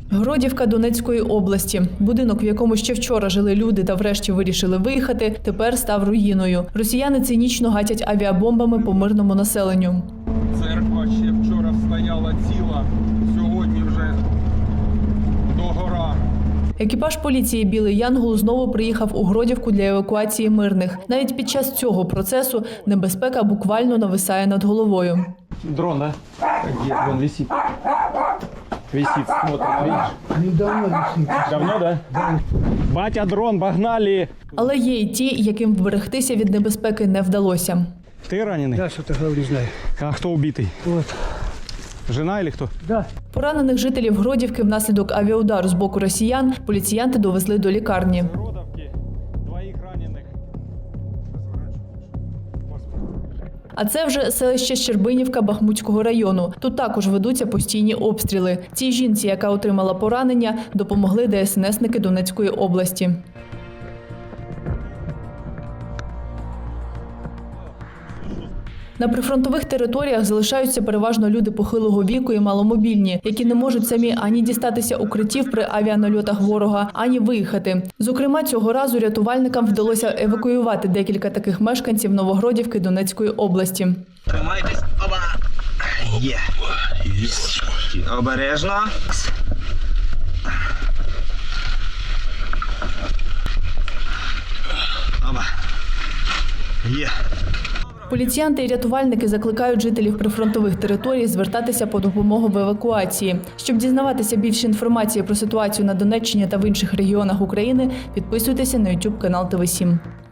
Гродівка Донецької області. Будинок, в якому ще вчора жили люди та врешті вирішили виїхати, тепер став руїною. Росіяни цинічно гатять авіабомбами по мирному населенню. Церква ще вчора стояла ціла, сьогодні вже догора. Екіпаж поліції «Білий Янгол» знову приїхав у Гродівку для евакуації мирних. Навіть під час цього процесу небезпека буквально нависає над головою. Дрон, да? Где? Вон висит. Висит, смотрит, видишь? Недавно висит. Давно, да? Да. Батя, дрон, погнали! Але є й ті, яким вберегтися від небезпеки не вдалося. Ты раненый? Да, что-то говорю, знаю. А кто убитый? Вот. Жена или кто? Да. Поранених жителів Гродівки внаслідок авіаудару з боку росіян поліціянти довезли до лікарні. Родовки, двоих раненых. А це вже селище Щербинівка Бахмутського району. Тут також ведуться постійні обстріли. Цій жінці, яка отримала поранення, допомогли ДСНСники Донецької області. На прифронтових територіях залишаються переважно люди похилого віку і маломобільні, які не можуть самі ані дістатися укриттів при авіанальотах ворога, ані виїхати. Зокрема, цього разу рятувальникам вдалося евакуювати декілька таких мешканців Новогродівки Донецької області. Тримайтесь. Оба. Є. Обережно. Оба. Є. Поліціянти і рятувальники закликають жителів прифронтових територій звертатися по допомогу в евакуації. Щоб дізнаватися більше інформації про ситуацію на Донеччині та в інших регіонах України, підписуйтеся на YouTube канал ТВ7.